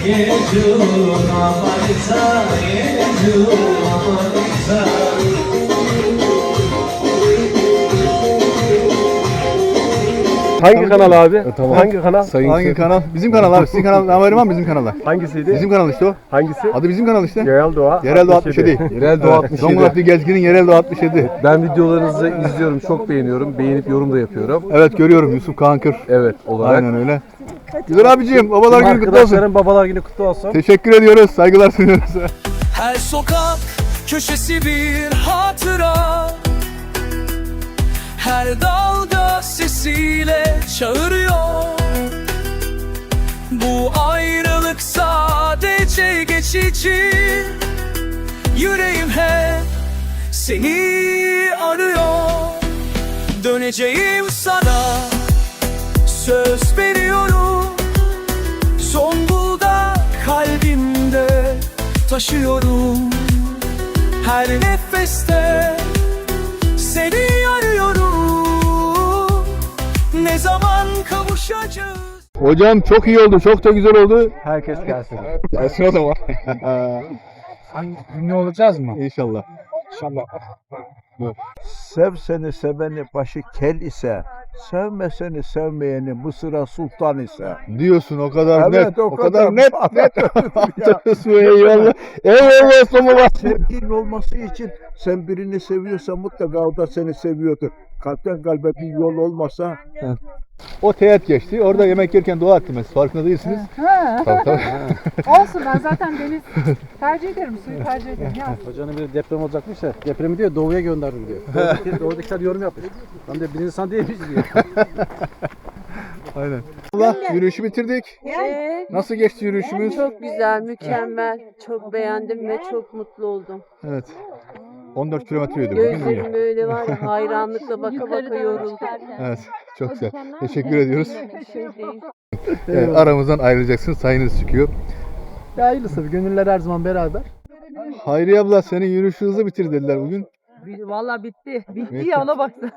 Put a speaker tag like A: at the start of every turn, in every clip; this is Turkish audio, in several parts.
A: Yecu amanita, yecu amanita.
B: Hangi kanal abi?
C: Tamam.
B: Hangi kanal?
C: Hangi kanal? Bizim kanal abi. Sizin kanal. Haberim var mı bizim kanalda?
B: Hangisiydi?
C: Bizim kanal işte o.
B: Hangisi?
C: Adı bizim kanal işte.
B: Yerel Doğa.
C: Yerel Doğa 67.
B: Yerel Doğa 67.
C: Zonguldaklı Gezgin'in Yerel Doğa 67.
B: Ben videolarınızı izliyorum, çok beğeniyorum. Beğenip yorum da yapıyorum.
C: Evet görüyorum Yusuf Kağankır.
B: Evet olarak.
C: Aynen öyle. Güzel abicim, babalar günü kutlu olsun.
B: Arkadaşlarım babalar günü kutlu olsun.
C: Teşekkür ediyoruz, saygılar sunuyoruz.
D: Her sokak köşesi bir hatıra, her dalga sesiyle çağırıyor. Bu ayrılık sadece geçici, yüreğim hep seni arıyor. Döneceğim sana, söz veriyorum. Zonguldak kalbimde taşıyorum. Her nefeste seni arıyorum. Ne zaman kavuşacağız?
C: Hocam çok iyi oldu, çok da güzel oldu.
B: Herkes gelsin.
C: Gelsin o zaman.
E: Ne olacağız mı?
C: İnşallah.
E: İnşallah.
F: Sev seni seveni başı kel ise, sevme seni sevmeyeni Mısır'a sultan ise.
C: Diyorsun o kadar
F: Evet,
C: net,
F: o
C: o kadar
F: kadar
C: net. Eyvallah. Eyvallah Somala.
F: Sevginin olması için sen birini seviyorsan mutlaka o da seni seviyordur. Kalpten kalbe bir yol olmasa
C: O teğet geçti. Orada yemek yerken dua ettim. Farkında değilsiniz.
G: Ha.
C: Tabii tabii.
G: Olsun, ben zaten deniz tercih ederim, suyu tercih ederim. Ya.
E: Hocanın bir deprem olacakmış da depremi diyor doğuya gönderdim diyor. Doğudakiler yorum yapmış. Ben de bir insan değilmiş diyor.
C: Aynen. Allah yürüyüşü bitirdik. Nasıl geçti yürüyüşümüz?
H: Çok güzel, mükemmel. Çok beğendim ve çok mutlu oldum.
C: Evet. 14 kilometre yürüdük bugün
H: Gözlerim
C: ya.
H: böyle var ya, hayranlıkla baka baka yoruldum.
C: Evet. Çok güzel. Teşekkür ediyoruz.
H: Bir şey değil.
C: Aramızdan ayrılacaksınız. Sayınız çıkıyor.
E: Ya hayırlısı gönüller her zaman beraber.
C: Hayriye abla senin yürüyüşü hızlı bitir dediler bugün.
G: Vallahi bitti. Bitti
C: Evet.
G: ya, ona baktı.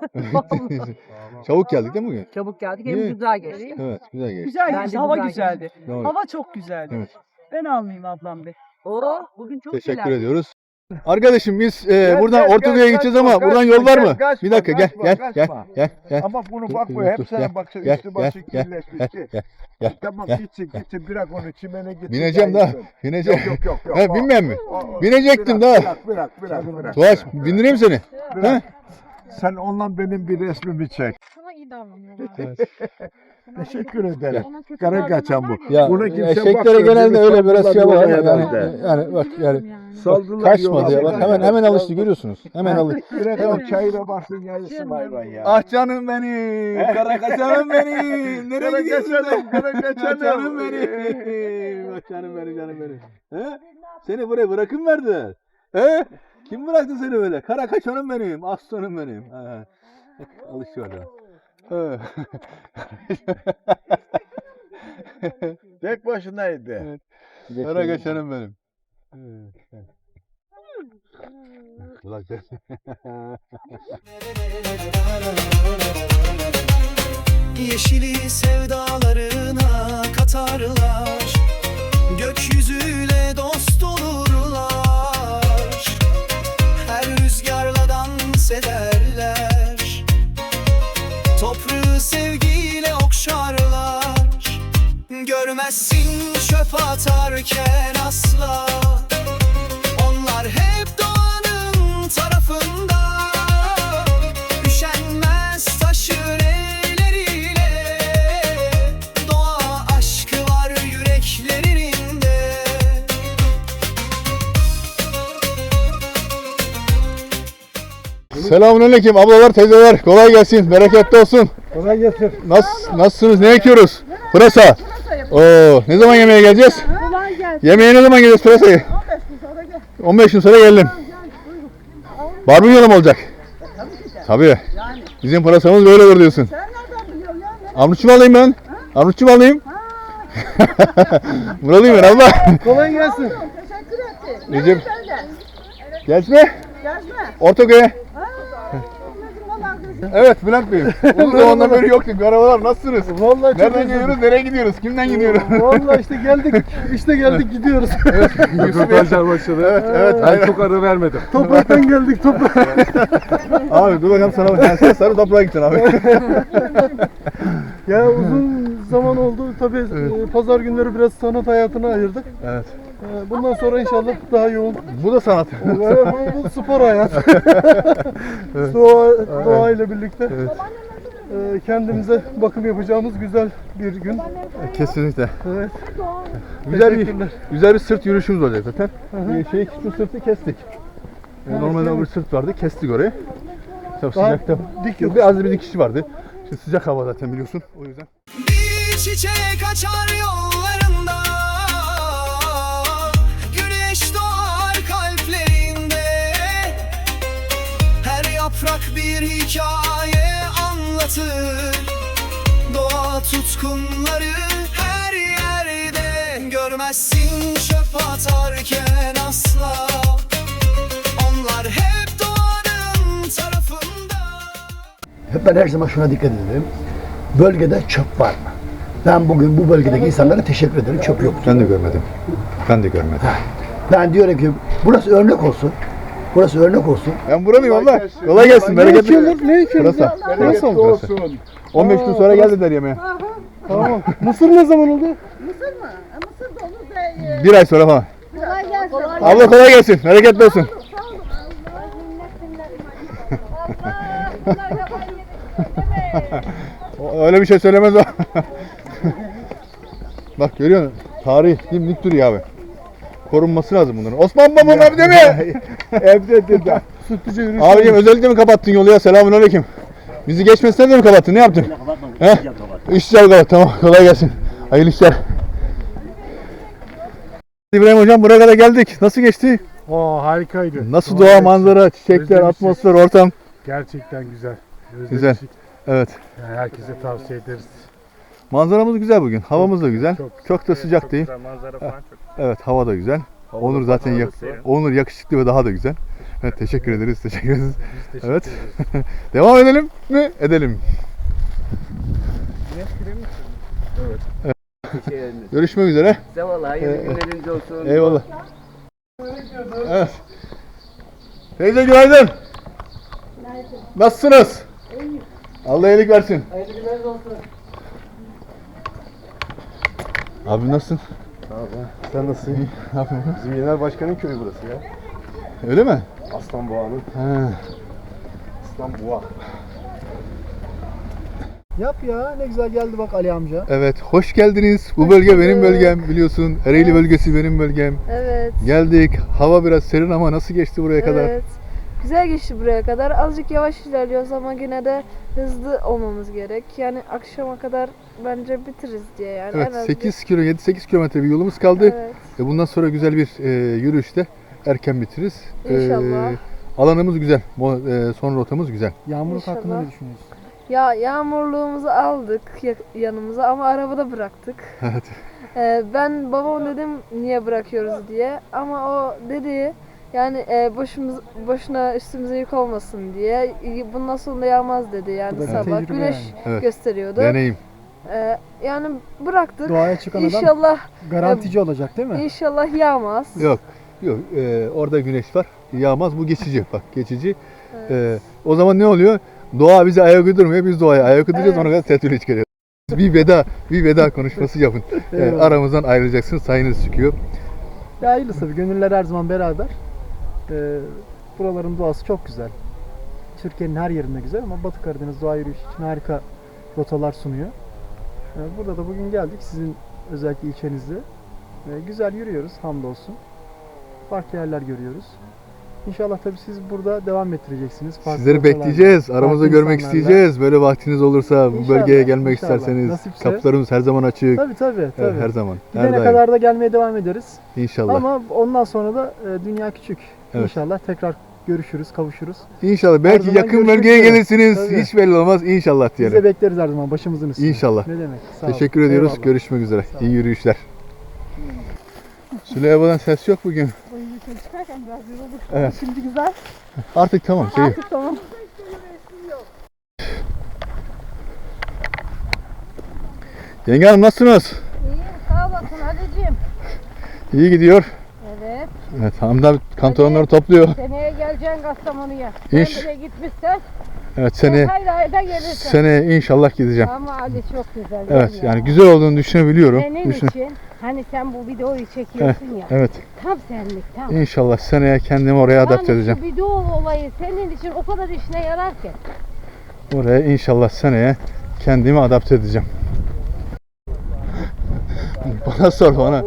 C: Çabuk geldik değil mi bugün?
G: Çabuk geldik,
C: İyi.
G: hem güzel geçti.
C: Evet. Güzel geçti.
G: Güzel
I: Bence
G: geçti,
I: hava
G: güzel
I: güzeldi.
G: geçti.
C: Doğru.
I: Hava çok güzeldi.
C: Evet.
I: Ben almayayım ablam be.
G: Oo, bugün çok
C: Teşekkür
G: güzel.
C: ediyoruz. Arkadaşım biz buradan
F: gel,
C: Ortadoğu'ya
F: gel,
C: gideceğiz
F: kaçma,
C: ama buradan
F: kaçma,
C: yol var
F: gel,
C: mı?
F: kaçma,
C: Bir dakika
F: kaçma,
C: gel.
F: gel. Ama bunu
C: Dur,
F: bakma
C: dur,
F: hep
C: dur,
F: sana
C: gel,
F: baksın
C: gel,
F: üstü başı
C: gel,
F: kirleşmişti.
C: gel,
F: Tamam
C: gel.
F: gitsin bırak onu çimene gitsin.
C: Bineceğim daha. Bineceğim.
F: Yok.
C: Ha, binmem mi? Binecektim
F: Bırak,
C: daha.
F: Bırak.
C: Tuğaç bindireyim seni.
F: Bırak. Sen onunla benim bir resmimi çek.
G: Sana iyi davranıyorlar.
F: Teşekkür ederim.
G: Ona kötü
F: Kara
G: davranan
F: kaçan
G: var
F: bu.
G: ya.
C: Ya
F: Buna kimse
C: eşeklere
F: bakmıyor,
C: genelde
F: değil mi?
C: öyle biraz şey var ama
F: Saldılar
C: yani,
F: herhalde.
C: yani bak yani
F: Saldılar
C: kaçmadı ya bak hemen alıştı görüyorsunuz. Hemen alıştı.
F: Bırak o çayına baksın yayılsın hayvan ya.
C: Ah canım benim, kara kaçanım benim. Nereye gidiyorsun?
F: Kara
C: Canım benim. Bak canım benim. He? Seni buraya bırakın verdiler. He? Kim bıraktı seni böyle? Kara kaçanım benim, aslanım benim. He. Alıştı orada.
F: Tek başınaydı.
C: Evet. Kara kaçanım benim.
D: Yeşili sevdalarına katarlar, gökyüzüyle dost olurlar. Her rüzgarla dans ederler, toprağı sevgiyle okşarlar. Görmezsin çöp atarken asla, onlar hep doğanın tarafında. Üşenmez taşır elleriyle, doğa aşkı var yüreklerinde.
C: Selamünaleyküm ablalar, teyzeler. Kolay gelsin, bereketli olsun.
E: Kolay gelsin.
C: Nasılsınız? Ne ekiyoruz? Pırasa. Oo, ne zaman yemeğe geleceğiz?
G: Kolay gelsin.
C: Yemeğe ne zaman geleceğiz pırasayı?
G: 15 gün sonra gel.
C: 15 gün sonra geldim. Barbunyolu mu olacak? Tabii. Bizim pırasamız böyle olur diyorsun.
G: Sen nereden biliyorsun ya?
C: Armutçu mu alayım ben? Armutçu mu alayım? Buralıyım ben abla.
E: Kolay gelsin.
G: Teşekkür ettim.
C: Recep.
G: Sen de.
C: Gezme.
G: Gezme.
C: Ortaköy'e.
G: Bizim olan kızım.
C: Evet Bülent Bey. Uzun zamandan beri yoktuk. Merhabalar, nasılsınız?
E: Vallahi çok
C: Nereden geliyoruz, nereye gidiyoruz, kimden gidiyoruz?
E: Vallahi işte geldik gidiyoruz.
B: Röportajlar başladı.
C: Evet.
B: Ben çok ara vermedim.
E: Topraktan geldik toprak.
C: Abi dur bakalım sana. Sen sarı toprağa gittin abi.
E: Ya uzun zaman oldu. Tabii pazar günleri biraz sanat hayatına ayırdık.
C: Evet.
E: Bundan sonra inşallah daha yoğun.
C: Bu da sanat.
E: Bu spor hayat. Doğa ile birlikte kendimize bakım yapacağımız güzel bir gün.
C: Kesinlikle.
E: Evet.
C: Güzel bir sırt yürüyüşümüz olacak zaten. Şu sırtı kestik. Normalde bir sırt vardı, kestik orayı. Tabii
E: Daha
C: sıcakta
E: dik yok.
C: biraz bir dikişi vardı. Şimdi sıcak hava zaten biliyorsun. O yüzden.
D: Bir çiçek açar yollarında, güneş doğar kalplerinde. Her yaprak bir hikaye anlatır. Doğa tutkunları her yerde. Görmezsin çöp atarken asla. Onlar hep doğanın tarafında.
J: Ben her zaman şuna dikkat ederim. Bölgede çöp var mı? Ben bugün bu bölgedeki insanlara teşekkür ederim. Çöp yok.
C: Ben de görmedim.
J: Ben diyorum ki burası örnek olsun. Burası örnek olsun.
C: Ben buradayım abla. Kolay gelsin. Bereketli.
E: Ne içiyoruz?
C: Burası olsun. 15 gün sonra gel dediler yemeğe.
E: Tamam. Mısır ne zaman oldu?
K: Mısır mı? Mısır da olur da
C: Bir ay sonra falan.
K: kolay gelsin.
C: Abla kolay gelsin. Bereketli olsun.
K: Sağ olun. Allah minnet minnet.
C: Öyle bir şey söylemez o. Bak görüyor musun? Tarih dimdik duruyor abi. Korunması lazım bunların. Osman babam evde mi? Evde.
E: Sütlüce yürüyüş.
C: Abicim özellikle mi kapattın yolu ya? Selamünaleyküm. Bizi geçmesine de mi kapattın? Ne yaptın? He? İşçiler kapat. Tamam. Kolay gelsin. Hayırlı işler. İbrahim hocam buraya kadar geldik. Nasıl geçti?
E: Harikaydı.
C: Nasıl doğa, manzara, çiçekler, atmosfer, ortam?
E: Gerçekten güzel.
C: Güzel. Evet.
E: Yani herkese tavsiye ederiz.
C: Manzaramız güzel bugün. Havamız da güzel. Çok da sıcak değil.
E: Manzara falan çok.
C: Evet, hava da güzel. Onur zaten Onur yakışıklı ve daha da güzel. Evet, teşekkür ederiz. Evet. Devam edelim mi? Edelim. Evet. Görüşmek üzere.
E: Hayırlı günleriniz olsun.
C: Eyvallah. Evet. Teyze günaydın. Nasılsınız? Allah iyilik versin.
E: Hayırlı günleriniz olsun.
C: Abi nasılsın?
E: Sağ ol. Sen nasılsın?
C: Ne yapıyorsun?
E: Bizim Yener Başkan'ın köyü burası ya.
C: Öyle mi?
E: Aslanboğa'nın.
C: Ha.
E: Aslanboğa. Yap ya, ne güzel geldi bak Ali amca.
C: Evet, hoş geldiniz. Bu bölge benim bölgem biliyorsun. Ereğli bölgesi benim bölgem.
H: Evet.
C: Geldik. Hava biraz serin ama nasıl geçti buraya kadar?
H: Evet. Güzel geçti buraya kadar. Azıcık yavaş ilerliyoruz ama yine de hızlı olmamız gerek. Yani akşama kadar bence bitiririz diye yani.
C: Evet,
H: En az
C: 7-8 kilometre bir yolumuz kaldı.
H: Evet.
C: Bundan sonra güzel bir yürüyüşte erken bitiririz.
H: İnşallah.
C: Alanımız güzel. Son rotamız güzel.
E: Yağmurluk
H: İnşallah.
E: hakkında ne düşünüyorsun?
H: Ya yağmurluğumuzu aldık yanımıza ama arabada bıraktık.
C: Evet.
H: Ben babam dedim niye bırakıyoruz diye ama o dedi yani boşuna üstümüze yük olmasın diye bundan sonra yağmaz dedi yani
E: Bu da
H: sabah
E: tecrübe
H: güneş
E: yani.
C: Evet.
H: gösteriyordu.
C: Deneyim.
H: Yani bıraktık.
E: Doğaya çıkan adam
H: İnşallah
E: garantici olacak değil mi?
H: İnşallah yağmaz.
C: Yok. Orada güneş var. Yağmaz. Bu geçici. Bak geçici. O zaman ne oluyor? Doğa bize ayak uydurmuyor. Biz doğaya ayak uyduracağız. Ona kadar tetüle çıkarıyoruz. Bir veda konuşması yapın. Aramızdan ayrılacaksınız. Sayınız çıkıyor.
E: Ya hayırlısı tabii. Gönüller her zaman beraber. Buraların doğası çok güzel. Türkiye'nin her yerinde güzel ama Batı Karadeniz doğa yürüyüşü için harika rotalar sunuyor. Burada da bugün geldik sizin özellikle ilçenizde. Güzel yürüyoruz hamdolsun. Farklı yerler görüyoruz. İnşallah tabii siz burada devam ettireceksiniz. Farklı
C: Sizleri
E: rotalarla,
C: bekleyeceğiz. Aramızda
E: farklı
C: görmek
E: insanlarla.
C: isteyeceğiz. Böyle vaktiniz olursa bu
E: İnşallah,
C: bölgeye gelmek
E: inşallah.
C: isterseniz
E: Nasipse.
C: kapılarımız her zaman açık.
E: Tabii.
C: Her zaman. Her
E: Gidene
C: daim.
E: kadar da gelmeye devam ederiz.
C: İnşallah.
E: Ama ondan sonra da dünya küçük.
C: Evet.
E: İnşallah tekrar görüşürüz, kavuşuruz.
C: İnşallah. Belki
E: zaman
C: yakın
E: görüşmek
C: bölgeye
E: üzere.
C: gelirsiniz.
E: Tabii.
C: Hiç belli olmaz. İnşallah
E: Biz
C: diyelim.
E: de bekleriz her zaman başımızın üstünde.
C: İnşallah.
E: Ne demek? Sağ olun.
C: Teşekkür ediyoruz.
E: Eyvallah.
C: Görüşmek üzere.
E: Sağ olun.
C: İyi yürüyüşler. Süleyman'dan ses yok bugün.
K: Çıkarken biraz yorulduk.
C: Evet.
K: Şimdi güzel.
C: Artık tamam.
K: Artık tamam.
C: Yenge hanım nasılsınız?
K: İyi, sağ olasın Halicim.
C: İyi gidiyor.
K: Evet.
C: Evet, Hamdi abi kantonları topluyor.
K: Seneye geleceksin Kastamonu'ya.
C: İş.
K: Sen bile gitmişsen.
C: Evet, seneye
K: Hayır ayda gelirsin.
C: seneye inşallah gideceğim.
K: Ama Ali çok güzel.
C: Evet,
K: değil mi ya?
C: yani güzel olduğunu düşünebiliyorum.
K: Senin için hani sen bu videoyu çekiyorsun ya.
C: Evet,
K: Tam senlik tam.
C: inşallah seneye kendimi oraya adapte edeceğim.
K: Yani şu video olayı senin için o kadar işine yarar ki.
C: Oraya inşallah seneye kendimi adapte edeceğim. Bana sor bana.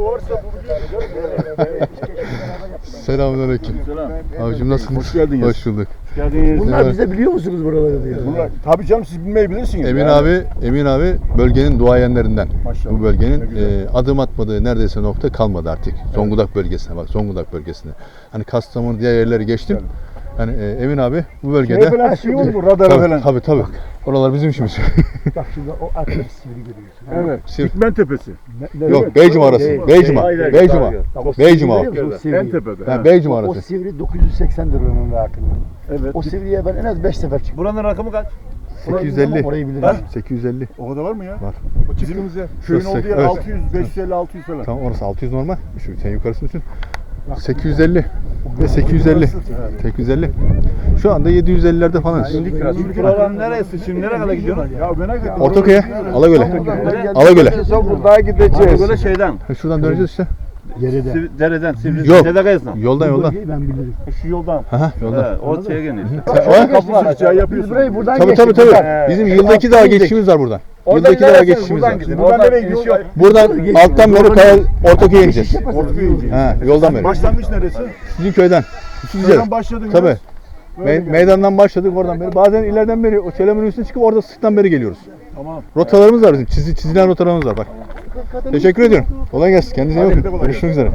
C: Selamünaleyküm. Abicim nasılsınız?
F: Hoş geldiniz.
C: Hoş bulduk.
J: Bunlar bize biliyor musunuz buraları diyor.
F: Tabii canım siz bilmeyi bilirsiniz.
C: Emin abi bölgenin duayenlerinden.
F: Maşallah.
C: Bu bölgenin
F: Ne güzel.
C: adım atmadığı neredeyse nokta kalmadı artık. Zonguldak bölgesine bak, Zonguldak bölgesine. Hani Kastamonu diğer yerleri geçtim. Hani Emin abi bu bölgede.
F: falan şey olur mu? Radar falan.
C: Tabii. Oralar bizim işimiz.
J: Bak şimdi o arkadaki sivri görüyorsun. ha?
F: Evet.
C: Sivri.
F: Dikmen Tepesi.
C: Yok, Beycuma arası.
J: Değil.
C: Beycuma.
F: Hayır,
C: Beycuma.
J: Bak, o
C: Beycuma.
J: sivri görüyor musun? O sivri.
F: En tepede.
C: Ben Beycuma
J: O
C: arası.
J: sivri 980'dir onun rakımı.
F: Evet.
J: O sivriye ben en az 5 sefer çıktım.
F: Buranın rakamı kaç?
C: 850.
J: Orayı bilirim.
C: 850.
F: O kadar var mı ya?
C: Var.
F: O çıktığımız yer. Köyün olduğu yer
C: Evet.
F: 600, 550, 600 falan.
C: Tamam, orası 600 normal. Sen yukarısını düşün. 850 ve 850. 850. Şu anda 750'lerde falan.
F: Buradan neresi? Şimdi nereye kadar gidiyorsun? Ya merak ettim.
C: Ortaköy'e, Alagöl'e. Alagöl'e.
F: Buradan gideceğiz. Böyle şeyden.
C: Şuradan döneceğiz işte.
J: Geride.
F: Dereden, Sivri.
C: Yok.
F: Dede Kayası'ndan.
C: Yoldan.
J: Bölgeyi ben bilirim.
F: Şu yoldan.
C: Yoldan.
F: O şeye geliyor.
C: O?
F: Kapı var. Çay
J: Biz
F: yapıyorsun.
J: burayı buradan
C: Tabii.
J: geçtik.
C: Bizim yıldaki daha geçişimiz var buradan. Yıldaki daha geçişimiz var.
F: Buradan nereye gidiyor?
C: Buradan alttan beri Kaya Ortaköy'e ineceğiz.
F: Ortaköy'e gideceğiz.
C: Yoldan beri.
F: Başlangıç neresi?
C: Sizin köyden.
F: Buradan başladın.
C: Tabii. Meydandan başladık oradan beri. Bazen ileriden beri o Çelebi'nin üstüne çıkıp orada sırttan beri geliyoruz.
F: Tamam.
C: Rotalarımız var bizim. Çizilen rotalarımız var bak. Teşekkür ediyorum. Kolay gelsin. Kendinize iyi bakın. Görüşmek üzere.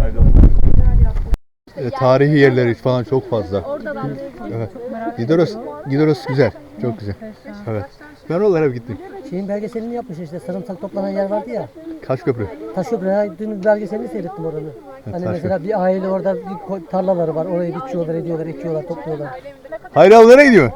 C: Tarihi yerleri falan çok fazla. Evet. Gideros güzel. Çok güzel. Evet. Ben oralara hep gittim.
L: Şeyin belgeselini yapmış işte, sarımsak toplanan yer vardı ya.
C: Kaşköprü.
L: Taşköprü, dün belgeselini seyrettim oranı. Hani
C: Taşköprü.
L: mesela bir aile orada bir tarlaları var, orayı biçiyorlar, ediyorlar, ekiyorlar, topluyorlar.
C: Hayri abi nereye gidiyor?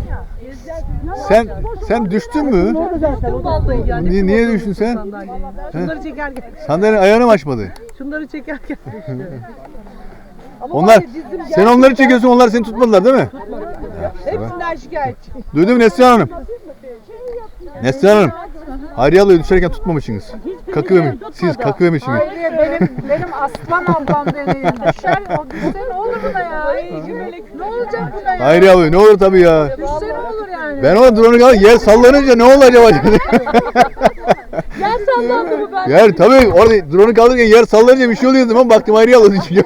C: Sen düştün mü? Niye düştün sen?
I: Şunları çekerken.
C: Sandalyenin ayağını mı açmadı?
I: Şunları çekerken düştü.
C: Onlar, sen onları çekiyorsun, onlar seni tutmadılar değil mi?
I: Hepsinden şikayetçi.
C: Duydun mu Neslihan Hanım? Neslihan Hanım. Hayriye ablayı düşerken tutmamışsınız. Siz kakıvemişsiniz.
G: Benim aslan ablam deneyim. Düşer, o düşse ne olur buna ya? Ne olacak buna ya?
C: Hayriye ablayı ne olur tabii ya.
G: Düşse ne olur yani?
C: Ben o drone'u kaldım, yer sallanınca ne oldu acaba?
G: Yer sallandı mı ben?
C: Yer tabii orada drone'u kaldırırken yer sallanınca bir şey oluyor zaman baktım Hayriye abla düşüyor.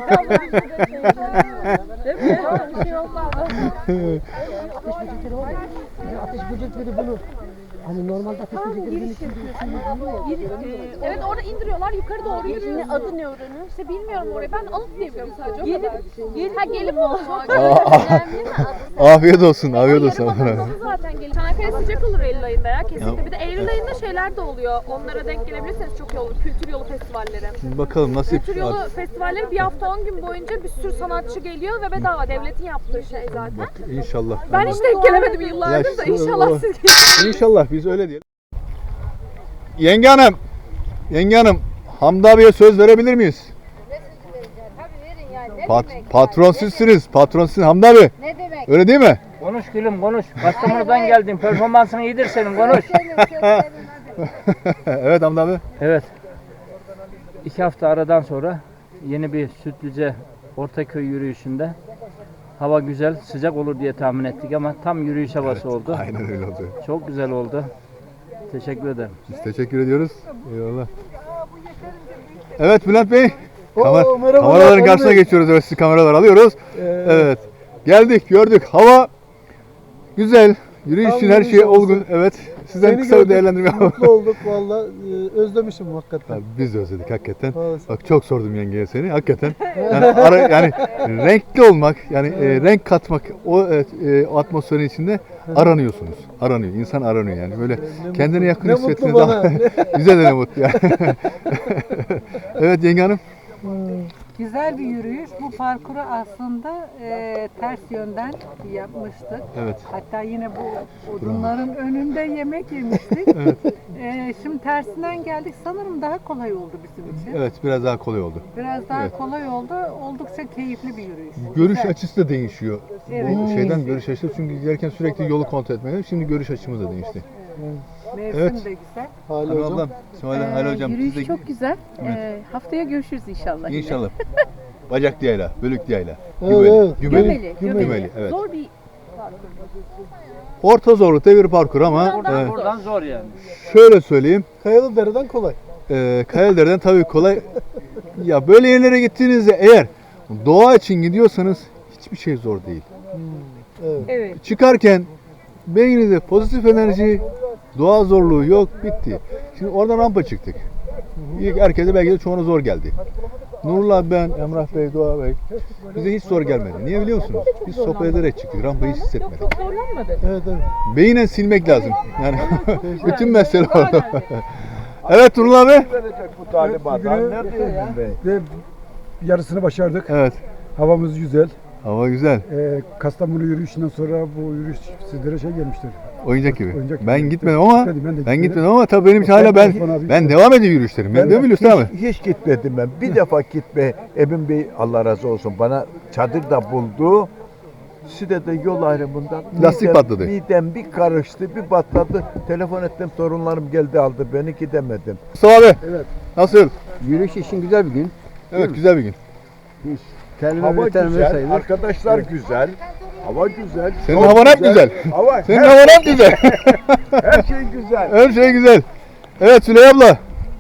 G: Bir şey olmaz.
L: Ateş böcekleri var ya, ateş böcekleri bunu, hani normalde ateş böcekleri
G: Evet orada indiriyorlar yukarı doğru yürüyor. Adı ne oranın? İşte bilmiyorum orayı. Ben alıp diye biliyorum sadece. Gelip mi olacak?
C: Afiyet olsun, afiyet olsun.
G: Zaten gelip. Çanakkale sıcak olur Eylül ayında ya kesinlikle. Bir de Eylül ayında şeyler de oluyor. Onlara denk gelebilirseniz çok iyi olur. Kültür yolu festivalleri.
C: Bakalım nasip.
G: Kültür yolu festivalleri bir hafta 10 gün boyunca bir sürü sanatçı geliyor ve bedava. Devletin yaptığı şey zaten.
C: İnşallah.
G: Ben hiç denk gelemedim yıllardır da inşallah siz gelin.
C: İnşallah biz öyle diyelim. Yenge Hanım, Hamdi abiye söz verebilir miyiz? Patron sizsiniz, Hamdi abi.
K: Ne demek?
C: Öyle değil mi?
L: Konuş gülüm konuş, Kastamonu'dan geldim, performansın iyidir senin, konuş.
C: Evet Hamdi abi.
L: Evet, 2 hafta aradan sonra yeni bir Sütlüce Ortaköy yürüyüşünde hava güzel, sıcak olur diye tahmin ettik ama tam yürüyüş havası oldu.
C: Aynen öyle oldu.
L: Çok güzel oldu. Teşekkür ederim.
C: Biz teşekkür ediyoruz. Eyvallah. Evet Bülent Bey.
J: merhabalar,
C: Kameraların karşısına geçiyoruz. Evet, sizi kameralar alıyoruz. Evet. Geldik, gördük. Hava güzel. Yürüyüş için her şey olgun. Evet. Sizden kısa bir değerlendirme alalım.
E: Mutlu olduk valla. Özlemişim hakikaten.
C: Biz de özledik hakikaten.
E: Maalesef.
C: Bak çok sordum yengeye seni hakikaten. Yani renkli olmak, yani renk katmak o atmosferin içinde aranıyorsunuz. Aranıyor. İnsan aranıyor yani. Böyle kendine yakın
E: ne
C: hissettiğiniz
E: mutlu
C: zaman
E: bana.
C: bize de ne mutlu yani. Evet yenge hanım.
I: Güzel bir yürüyüş. Bu parkuru aslında ters yönden yapmıştık.
C: Evet.
I: Hatta yine bu odunların önünde yemek yemiştik. Şimdi tersinden geldik. Sanırım daha kolay oldu bizim için.
C: Evet, biraz daha kolay oldu.
I: Biraz daha
C: Evet.
I: kolay oldu. Oldukça keyifli bir yürüyüş.
C: Görüş
I: Güzel.
C: açısı da değişiyor.
I: Evet.
C: Bu şeyden görüş açısı, çünkü giderken sürekli yolu kontrol etmeliyiz. Şimdi görüş açımız da değişti.
I: Mevsim
C: Evet.
I: de güzel.
C: Hanım ablam, Hale hocam.
G: Yürüyüş
C: siz de-
G: çok güzel.
C: Evet.
G: Haftaya görüşürüz inşallah. yine.
C: İnşallah. Bacak yayla, bölük yayla.
E: Evet,
G: Gömeli.
C: Evet.
G: Zor bir
C: Orta zorlukta bir parkur ama
L: Buradan zor yani.
C: şöyle söyleyeyim.
E: Kayalıdere'den kolay.
C: Kayalıdere'den tabii kolay. Ya böyle yerlere gittiğinizde eğer doğa için gidiyorsanız hiçbir şey zor değil.
I: Evet.
C: Çıkarken beyninizde pozitif enerji, doğa zorluğu yok, bitti. Şimdi oradan rampa çıktık. İlk herkese belki de çoğuna zor geldi. Nurullah, ben, Emrah Bey, Doğa Bey bize hiç zor gelmedi. Niye biliyor musunuz? Biz sohbet ederek çıktık, rampayı hiç hissetmedik.
I: Çok zorlanmadı.
E: Evet, evet.
C: Beynen silmek lazım. Yani bütün mesele orada. Evet Nurullah Bey.
F: Verecek bu talimatlar. Nerede Emin Bey?
E: Ve yarısını başardık.
C: Evet.
E: Havamız güzel.
C: Hava güzel.
E: Kastamonu yürüyüşünden sonra bu yürüyüş sizlere şey gelmiştir.
C: Oyuncak gibi.
E: Oyuncak gibi.
C: Ben gitmedim ama
E: Ben de
C: gitmedim ama tabii benim için hala ben devam ediyor yürüyüşlerim. Ben de biliyorsun abi.
F: Hiç gitmedim ben. Bir defa gitme. Emin Bey Allah razı olsun bana çadır da buldu. Side'de yol ayrımında
C: Lastik patladı.
F: Midem bir karıştı, bir patladı. Telefon ettim, sorunlarım geldi aldı beni, gidemedim.
C: Mustafa abi.
E: Evet.
C: Nasıl?
E: Yürüyüş için güzel bir gün.
C: Evet, güzel bir gün.
F: Hava güzel, arkadaşlar güzel. Hava güzel.
C: Senin
F: yol
C: havan hep güzel.
F: Hava,
C: Senin havan hep güzel.
F: her şey güzel.
C: Her şey güzel. Evet Süleyha abla.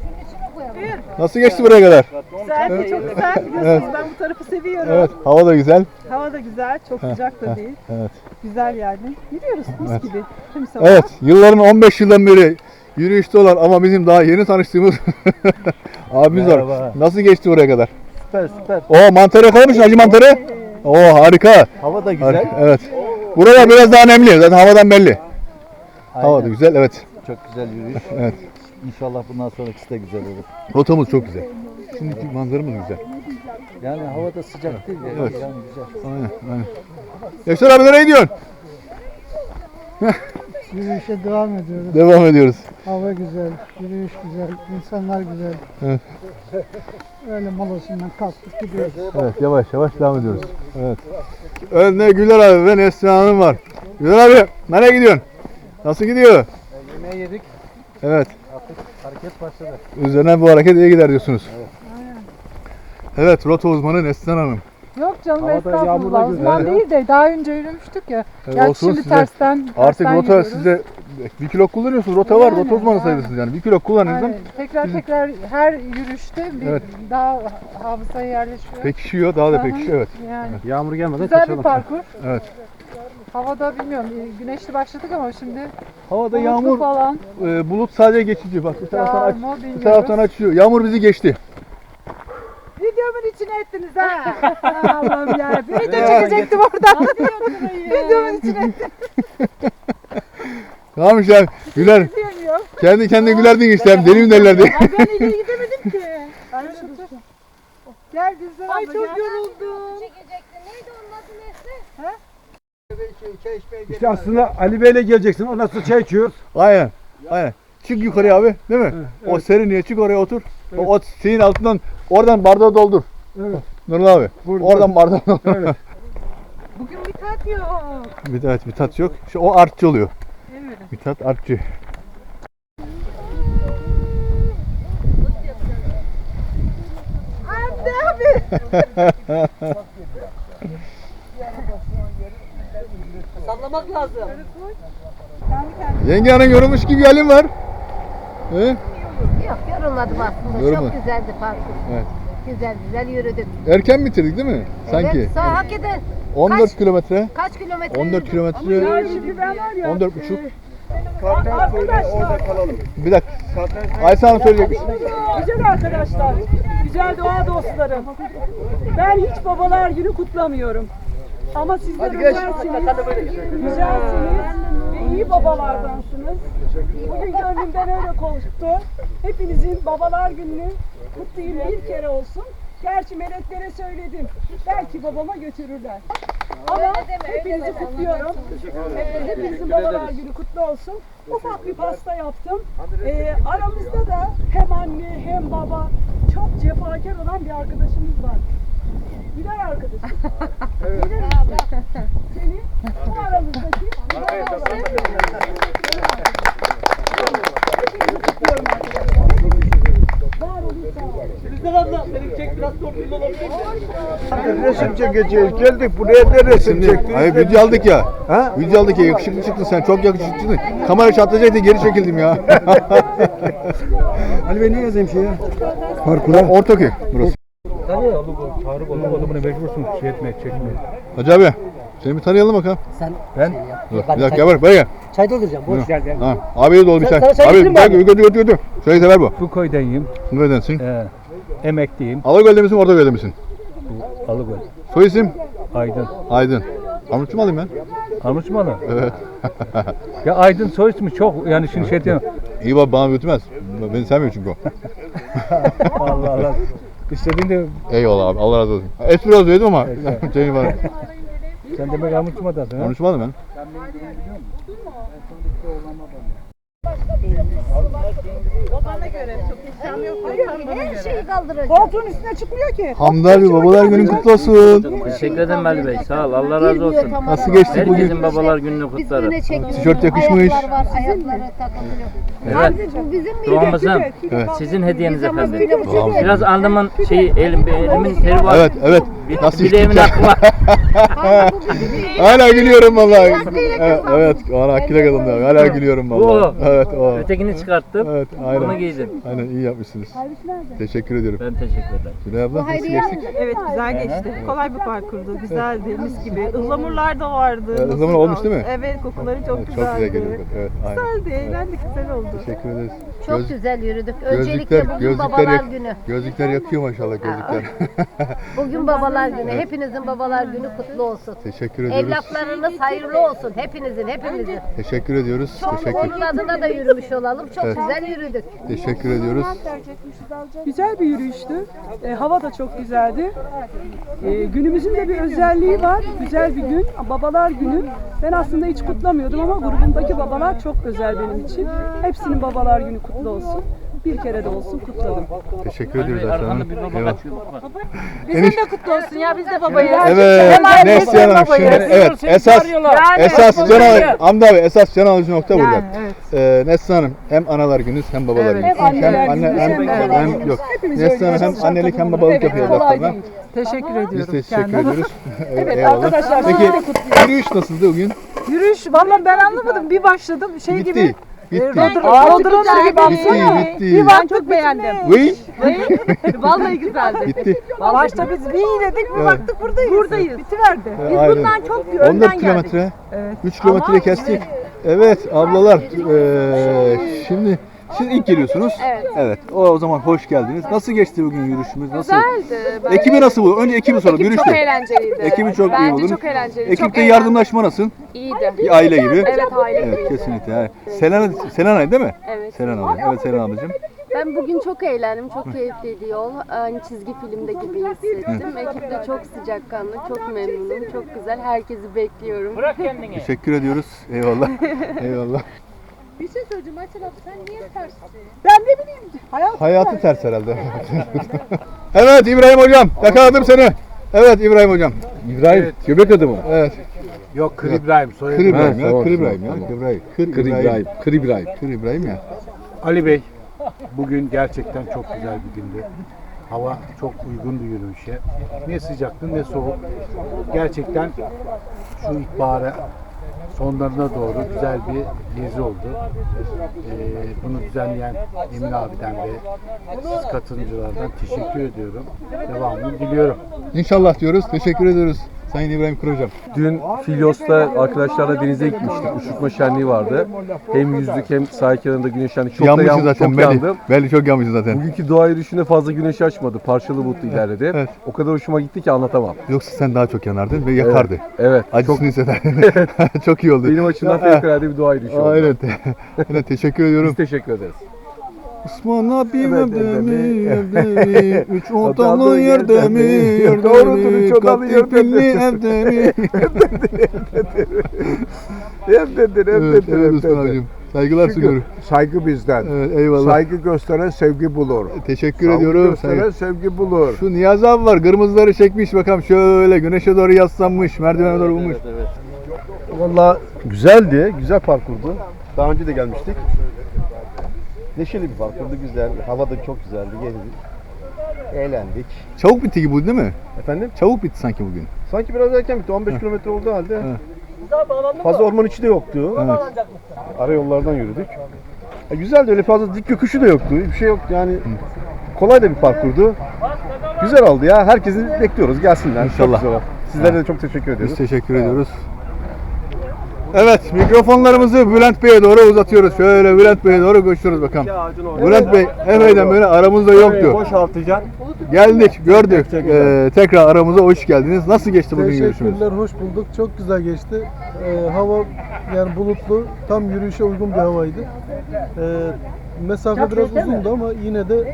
C: Nasıl geçti buraya kadar?
I: Güzel, çok güzel. Biliyorsunuz
C: Evet.
I: ben bu tarafı seviyorum.
C: Evet, hava da güzel.
I: Hava da güzel, çok sıcak da değil.
C: Evet.
I: Güzel yani. Gidiyoruz mis
C: Evet.
I: gibi. Tüm sabah.
C: Evet, yılların 15 yıldan beri yürüyüşte olan ama bizim daha yeni tanıştığımız abimiz var.
F: Merhaba.
C: Nasıl geçti buraya kadar?
F: Süper süper.
C: Oo, mantarı yakalamış acı mantarı. Oo, harika.
F: Hava da güzel.
C: Harika, evet. Buralar biraz daha nemli. Zaten havadan belli. Hava da güzel, evet.
F: Çok güzel yürüyüş.
C: Evet.
F: İnşallah bundan sonrakisi de güzel olur.
C: Rotamız çok güzel. Şimdiki manzaramız güzel.
F: Yani hava da sıcak değil.
C: Evet.
F: Yani güzel.
C: Aynen. Yaşar abi nereye gidiyorsun?
E: Yürüyüşe devam ediyoruz.
C: Devam ediyoruz.
E: Hava güzel, yürüyüş güzel, insanlar güzel.
C: Evet.
E: Öyle molasından kalktık gidiyoruz.
C: Evet, yavaş yavaş devam ediyoruz. Evet. Önde Güler abi ve Neslihan Hanım var. Güler abi nereye gidiyorsun? Nasıl gidiyor?
L: Yemeği yedik.
C: Evet.
L: Artık hareket başladı.
C: Üzerine bu hareket iyi gider diyorsunuz. Evet, rota uzmanı Neslihan Hanım.
I: Yok canım
E: Havada
I: estağfurullah.
E: yağmurla
I: Uzman
C: güzel.
I: değil de daha önce yürümüştük ya.
C: Evet,
I: Gerçi
C: olsun
I: şimdi
C: size.
I: tersten
C: Artık rota
I: yürüyoruz.
C: size 1 kilo kullanıyorsunuz. Rota var,
I: Yani,
C: rota uzmanı
I: yani.
C: sayılırsınız yani. 1 kilo kullanınızdan
I: Aynen. Tekrar her yürüyüşte bir
C: Evet.
I: daha hafızaya yerleşiyor.
C: pekişiyor, daha da
I: Aha.
C: pekişiyor. Evet.
I: Yani
B: Yağmur gelmeden
I: güzel
B: kaçalım.
I: bir parkur.
C: Evet.
I: Havada bilmiyorum güneşli başladık ama şimdi
C: Havada
I: bulutlu
C: yağmur,
I: falan.
C: bulut sadece geçici. Bak bu taraftan aç,
I: Yağmur
C: bu
I: bilmiyoruz.
C: taraftan açıyor. Yağmur bizi geçti.
I: Videomun içine ettiniz ha. Allah'ım ya. Bir video çekecektim oradan. Videomun içine ettiniz.
C: Tamam işte güler.
I: Diyemiyorum.
C: Kendi kendine gülerdin işte. Hem deli mi derlerdi.
I: Ay ben ileri gidemedim ki. Gel Gülsel abla. Ay çok yoruldum.
K: Neydi onun adı Nesli?
E: İşte aslında Ali Bey'le geleceksin. Ondan sonra çay içiyoruz.
C: Aynen. Aynen. Çık yukarıya abi, değil mi? O serinliğe çık, oraya otur. O şeyin altından, oradan bardağı doldur.
E: Evet.
C: Nurullah abi.
E: Burada.
C: Oradan bardağı doldur.
E: Evet.
I: Bugün bir tat yok.
C: Bir tat yok. İşte o artçı oluyor.
I: Evet.
C: Bir tat artçı.
I: Anne abi. Sallamak lazım.
C: Yenge hanım yorulmuş gibi halin var. He?
K: Yok yorulmadım aslında.
C: Yorulmadın.
K: Çok güzeldi parkur.
C: Evet.
K: Güzel güzel yürüdük.
C: Erken bitirdik değil mi? Sanki.
K: Evet, sağ hakikaten
C: 14 kilometre.
K: kaç kilometre
C: 14
K: yürüdük?
C: kilometre.
I: Ya şimdi ben var ya.
C: 14,5.
I: Arkadaşlar.
C: Bir dakika. Ayşe Hanım söyleyecekmiş.
I: Güzel arkadaşlar. Güzel doğa dostlarım. Ben hiç babalar günü kutlamıyorum. Ama sizler özelsiniz, güzelsiniz ve iyi babalardansınız. Bugün gönlümden öyle konuştu. Hepinizin babalar gününü kutlayayım bir kere olsun. Gerçi meleklere söyledim. Belki babama götürürler. Ama hepinizi kutluyorum. Hepinizin babalar günü kutlu olsun. Ufak bir pasta yaptım. Aramızda da hem anne hem baba çok cefakar olan bir arkadaşımız var. Güler arkadaşım. Güler işte. Seni o aramızdaki Güler arkadaşım. Hepinizi kutluyorum arkadaşlar. Var olun sağ olun.
C: Güzel abla, senin çek biraz toplum olabilir.
F: Resim çekeceğiz. Geldik buraya ne resim çektik?
C: Hayır video aldık ya. Ha? Video aldık ya, yakışıklı çıktın sen, çok yakışıklı çıktın. Kamera çatlayacaktı, geri çekildim ya.
J: Ali Bey ne yazayım şeye? Parkura.
C: Ortaköy burası.
B: Tarık olmadı mecbursun şey etmeye, çekmeye.
C: Hacı abi, seni bir tanıyalım bakalım.
J: Sen
C: Ben? Dur, bir dakika gel buraya gel.
J: çay dolduracağım. Boş ver.
C: Tamam. Abi de ol bir
J: Sana
C: sen.
J: çay
C: Abi
J: getireyim mi abi?
C: götür. Şöyle sever bu.
B: Bu köydeyim,
C: Neredensin?
B: emekliyim,
C: Alagöl'de misin, Ortaköy'de misin?
B: Alıgöl,
C: Soy isim?
B: Aydın.
C: Aydın. Armutçu mu alayım ben?
B: Armutmalı.
C: Evet.
B: Ya Aydın soy ismi çok, yani şimdi şey diyorum.
C: İyi bak, bana götürmez. Beni sevmiyor çünkü o.
B: Allah Allah. İstediğinde
C: Eyvallah abi, Allah razı olsun. Espri az söyledim ama şeyim var.
B: sen demek Armutma'dasın ha?
C: Konuşmadım ben.
K: Her şeyi kaldıracak.
I: Koltuğun üstüne çıkmıyor ki.
C: Hamdi abi, babalar günün kutlu olsun.
L: Teşekkür ederim Ali Bey. Sağ ol. Allah razı olsun.
C: Nasıl geçti bugün?
L: Herkesin babalar gününü kutlarım.
C: Tişört yakışmış.
K: Ayakları takılıyor.
L: Evet.
K: Bu bizim mi?
L: Doğamızın
C: Evet.
L: sizin hediyeniz efendim.
C: Tamam.
L: Biraz alnımın elimin teri var.
C: Evet. Nasıl
L: Bir de evimin
C: içtik ya?
L: hakkı var.
C: Hala gülüyorum vallahi. Evet, hala akile kadın. Hala gülüyorum
L: Bu
C: vallahi.
L: o.
C: Evet, o.
L: Ötekini çıkarttım.
C: Evet,
L: Bunu
C: aynen.
L: giydim.
C: Aynen, iyi yapmışsınız. Teşekkür ediyorum.
L: Ben teşekkür ederim.
C: Gülay abla, nasıl geçtik?
I: Evet güzel geçti. Kolay bir parkurdu. Güzeldi. Mis gibi. Ihlamurlar da vardı.
C: Evet, ıhlamur olmuş değil mi?
I: Evet kokuları çok
C: Evet,
I: güzeldi.
C: çok güzel geliyor. Evet, aynen.
I: Güzeldi. Eğlendik. Güzel oldu.
C: Teşekkür ederiz.
K: Çok güzel yürüdük. Öncelikle bugün babalar günü.
C: Gözlükler yakıyor maşallah, gözlükler.
K: Bugün babalar günü. Hepinizin babalar günü kutlu olsun.
C: Teşekkür ediyoruz.
K: Evlatlarınız hayırlı olsun. Hepinizin.
C: Teşekkür ediyoruz.
K: Onun adına da yürümüş olalım. Çok
C: Evet.
K: güzel yürüdük.
C: Teşekkür ediyoruz.
I: Güzel bir yürüyüştü. Hava da çok güzeldi. Günümüzün de bir özelliği var. Güzel bir gün. Babalar günü. Ben aslında hiç kutlamıyordum ama grubumdaki babalar çok özel benim için. Hepsinin babalar günü kutlu olsun. Bir kere de olsun kutladım.
C: Teşekkür ediyoruz Aslan
L: Arkanda
C: Hanım.
L: bir baba
C: Eyvallah.
L: kaçıyor. Bak.
I: Bizim de kutlu olsun ya. Biz de babayız.
C: Evet, Neslihan Hanım
I: babayız.
C: şimdi, evet, esas can alıcı, Hamdi abi, esas can alıcı nokta burada.
I: evet.
C: Neslihan Hanım, hem analar gününüz hem babalar gününüz.
I: Hem anneler günü,
C: hem yok.
I: Hepimiz
C: Neslihan
I: öyle.
C: Hanım hem annelik hem babalık yapıyor
I: Kolay
C: evlatlarına.
I: değil. Teşekkür ediyorum.
C: Biz teşekkür
I: kendime.
C: ediyoruz.
I: Evet,
C: Eyvallah.
I: arkadaşlar,
C: Peki,
I: sizi de kutluyorum.
C: yürüyüş nasıldı bugün?
I: Yürüyüş valla ben anlamadım. Bir başladım şey
C: Bitti.
I: gibi.
C: Bitti.
I: Rodrona gibi baksana.
C: Bitti.
I: Bir baktık çok beğendim.
C: Vıy.
I: Vallahi güzeldi.
C: Bitti.
I: Başta biz bir iyiledik bir
C: Evet.
I: baktık buradayız. Buradayız. Bitiverdi. Biz
C: Aynen.
I: bundan çok
C: 14
I: önden geldik.
C: kilometre.
I: Evet.
C: 3 kilometre kestik. Evet ablalar, şimdi siz ilk geliyorsunuz.
H: Evet.
C: O zaman hoş geldiniz. Nasıl geçti bugün yürüyüşümüz? Nasıl?
H: Güzeldi.
C: Ekibi nasıl buldun? Önce ekibi soralım.
H: Ekip çok
C: Yürüyüşte.
H: eğlenceliydi.
C: Ekibi çok iyi
H: Bence
C: buldum.
H: çok eğlenceliydi.
C: Ekipte
H: çok eğlendim.
C: yardımlaşma nasıl?
H: İyiydi.
C: Bir aile gibi.
H: Evet aile
C: Evet,
H: gibiydi.
C: kesinlikle. Yani. Selena değil mi?
H: Evet.
C: Selena. Evet, Selena ablacığım.
H: Ben bugün çok eğlendim. Çok keyifliydi yol. Aynı çizgi filmde gibi hissettim. Ekip de çok sıcakkanlı, çok memnunum. Çok güzel. Herkesi bekliyorum.
L: Bırak kendini.
C: Teşekkür ediyoruz. Eyvallah. Eyvallah.
G: Bir şey söyleyeceğim Ayşen abla, sen niye tersin?
I: Ben ne bileyim.
C: Hayatı ters herhalde. Evet İbrahim hocam, yakaladım seni. Evet İbrahim hocam.
B: İbrahim, göbek adı mı?
C: Evet.
B: Yok, Kır İbrahim.
C: Kır İbrahim ya.
B: Tamam,
C: Kır İbrahim ya.
B: tamam.
C: Kır İbrahim.
B: Kır İbrahim.
C: Kır İbrahim ya.
B: Ali Bey, bugün gerçekten çok güzel bir gündü. Hava çok uygundu yürüyüşe. Ne sıcaktı ne soğuk. Gerçekten şu ilkbahara sonlarına doğru güzel bir gezi oldu. Bunu düzenleyen Emin abiden ve siz katılımcılardan teşekkür ediyorum. Devamını diliyorum.
C: İnşallah diyoruz. Teşekkür ediyoruz. Sayın İbrahim Kır hocam.
B: Dün Filyos'ta arkadaşlarla denize gitmiştik. Uçurtma şenliği vardı. Hem yüzdük hem sahil kenarında güneşlendik. Çok da
C: Yanmışız zaten.
B: çok
C: Belli.
B: yandım.
C: Belli çok yanmışız zaten.
B: Bugünkü doğa yürüyüşünde fazla güneş açmadı. Parçalı bulutlu ilerledi.
C: Evet.
B: O kadar hoşuma gitti ki anlatamam.
C: Yoksa sen daha çok yanardın ve yakardı.
B: Evet.
C: Acısını hissederdin. Çok iyi oldu.
B: Benim açımdan fevkalade bir doğa yürüyüşü oldu.
C: Aynen. Aynen. Teşekkür ediyorum.
B: Biz teşekkür ederiz.
C: Osman abim
F: Evet,
C: evde mi,
F: evet.
C: evde mi? Üç odalı
F: Odalı
C: yerde
F: yerde
C: mi,
F: mi?
C: yerde
F: Doğrudur,
C: mi?
F: üç odalı yerde
C: Katifilli
F: mi?
C: evde mi?
F: Evdedir,
C: Evet, evet Osman abicim. Saygılar sunuyorum.
F: Saygı bizden.
C: Evet, eyvallah.
F: Saygı gösteren sevgi bulur.
C: Teşekkür
F: Saygı
C: ediyorum.
F: gösteren sevgi bulur.
C: Şu Niyazi abi var, kırmızıları çekmiş bakalım şöyle güneşe doğru yaslanmış, merdivene doğru bulmuş.
M: Valla güzeldi, güzel parkurdu. Daha önce de gelmiştik. Neşeli bir parkurdu, güzel. Hava da çok güzeldi, gezdik. Eğlendik.
C: Çabuk bitti gibi bu değil mi?
M: Efendim?
C: Çabuk bitti sanki bugün.
M: Sanki biraz erken bitti, 15 kilometre olduğu halde.
C: Evet.
M: Fazla orman içi de yoktu.
C: Evet.
M: Ara yollardan yürüdük. Güzeldi, öyle fazla dik yokuşu da yoktu. Bir şey yoktu yani. Kolay da bir parkurdu. Güzel oldu ya. Herkesi bekliyoruz, gelsinler.
C: İnşallah.
M: Çok güzel oldu. Sizlere de çok teşekkür ediyoruz.
C: Biz teşekkür ediyoruz. Evet, mikrofonlarımızı Bülent Bey'e doğru uzatıyoruz. Şöyle Bülent Bey'e doğru koşuyoruz bakalım. Bülent Bey, epeyden böyle aramızda yoktu.
M: Boşaltacaksın.
C: Geldik, gördük. Tekrar aramıza hoş geldiniz. Nasıl geçti bugün görüşümüz?
E: Teşekkürler, hoş bulduk. Çok güzel geçti. Hava yani bulutlu, tam yürüyüşe uygun bir havaydı. Mesafe biraz uzundu ama yine de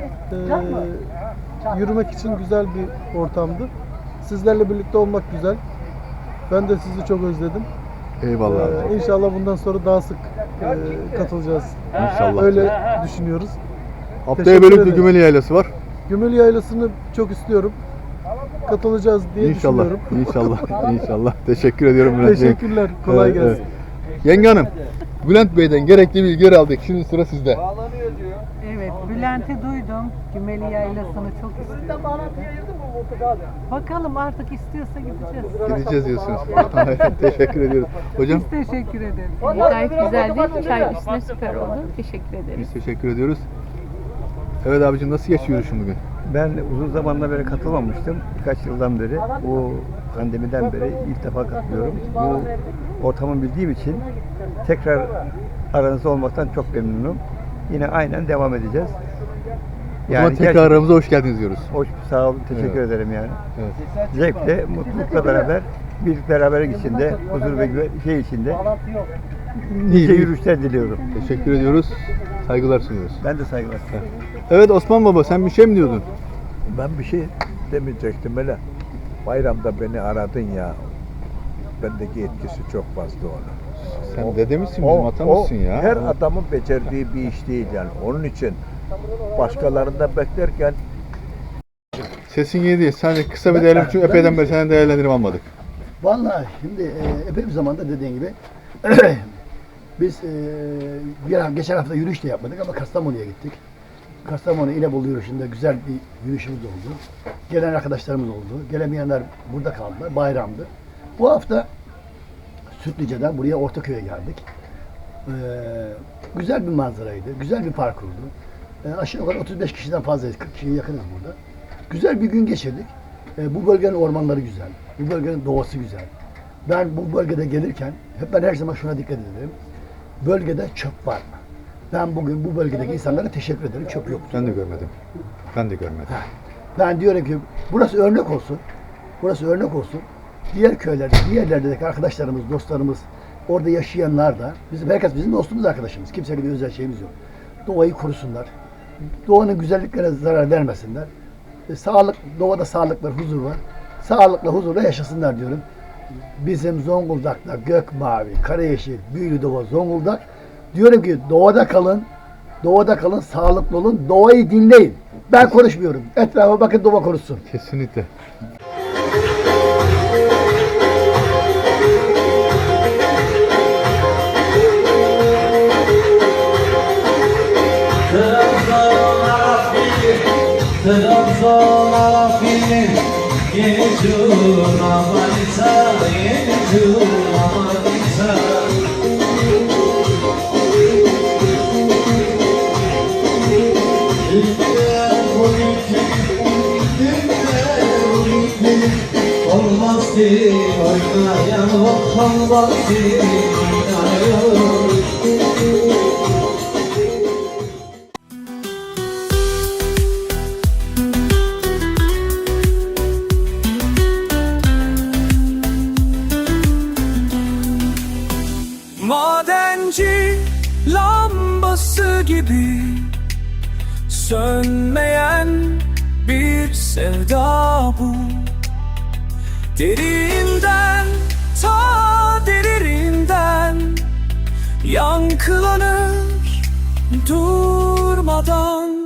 E: yürümek için güzel bir ortamdı. Sizlerle birlikte olmak güzel. Ben de sizi çok özledim.
C: Eyvallah abi.
E: İnşallah bundan sonra daha sık katılacağız.
C: İnşallah.
E: Öyle düşünüyoruz.
C: Haftaya
E: Teşekkür
C: Bölüklü
E: ederim.
C: Gümeli Yaylası var.
E: Gümeli Yaylası'nı çok istiyorum. Katılacağız diye
C: İnşallah,
E: düşünüyorum.
C: inşallah, inşallah. Teşekkür ediyorum Bülent Bey.
E: Teşekkürler, kolay
C: Evet,
E: gelsin.
C: evet. Yenge Hanım, Bülent Bey'den gerekli bilgileri aldık. Şimdi sıra sizde.
I: Evet, Bülent'i duydum. Gümeli Yaylası'nı çok istiyorum. Bakalım artık istiyorsa gideceğiz.
C: Gideceğiz diyorsunuz. Teşekkür ediyoruz. Hocam?
I: Biz teşekkür ederiz.
G: Gayet güzeldi. Çay üstüne süper oldu. Teşekkür ederiz.
C: Biz teşekkür ediyoruz. Evet abicim, nasıl geçiyor yürüyüşün bugün?
N: Ben uzun zamandan beri katılmamıştım. Birkaç yıldan beri, bu pandemiden beri ilk defa katılıyorum. Bu ortamı bildiğim için tekrar aranızda olmaktan çok memnunum. Yine aynen devam edeceğiz.
C: O zaman tekrar aramıza hoş geldiniz diyoruz.
N: Hoş, sağ olun, teşekkür ederim yani.
C: Evet.
N: Zevkle, mutlulukla beraber, birlik beraberlik içinde, huzur ve şey içinde nice yürüyüşler diliyorum.
C: Teşekkür ediyoruz. Saygılar sunuyoruz.
N: Ben de saygılar.
C: Evet Osman Baba, sen bir şey mi diyordun?
F: Ben bir şey demeyecektim öyle. Bayramda beni aradın ya. Bendeki etkisi çok fazla onun.
C: Sen dede misin, bizim atamızsın ya.
F: Her adamın becerdiği bir iş değil yani. Onun için başkalarında beklerken
C: Sesin iyi değil. Sadece kısa bir değerlendirme, çünkü epeyden beri senden değerlendirme almadık.
J: Vallahi şimdi epey bir zamanda dediğin gibi biz geçen hafta yürüyüş de yapmadık ama Kastamonu'ya gittik. Kastamonu İnebolu yürüyüşünde güzel bir yürüyüşümüz oldu. Gelen arkadaşlarımız oldu. Gelemeyenler burada kaldılar. Bayramdı. Bu hafta Sütlice'den buraya Ortaköy'e geldik. Güzel bir manzaraydı. Güzel bir parkurdu. Aşağı yukarı 35 kişiden fazlayız. 40 kişiye yakınız burada. Güzel bir gün geçirdik. Bu bölgenin ormanları güzel. Bu bölgenin doğası güzel. Ben bu bölgede gelirken ben her zaman şuna dikkat ederim. Bölgede çöp var mı? Ben bugün bu bölgedeki insanlara teşekkür ederim. Çöp yok.
C: Ben de görmedim. Ben de görmedim.
J: Ben diyorum ki burası örnek olsun. Burası örnek olsun. Diğer köylerde, diğer yerlerdeki arkadaşlarımız, dostlarımız, orada yaşayanlar da, herkes bizim dostumuz, arkadaşımız. Kimseyle bir özel şeyimiz yok. Doğayı korusunlar. Doğanın güzelliklerine zarar vermesinler. Doğada sağlık var, huzur var. Sağlıkla, huzurla yaşasınlar diyorum. Bizim Zonguldak'ta gök mavi, kara yeşil, büyülü doğa Zonguldak. Diyorum ki doğada kalın, sağlıklı olun, doğayı dinleyin. Ben konuşmuyorum. Etrafa bakın, doğa konuşsun.
C: Kesinlikle.
A: Trabzon Arafili, Yecun Amanisa, Yecun Amanisa. Olmaz ki oynayan, olmaz ki oynayan.
D: Madenci lambası gibi sönmeyen bir sevda bu. Derinden, ta derininden yankılanır durmadan.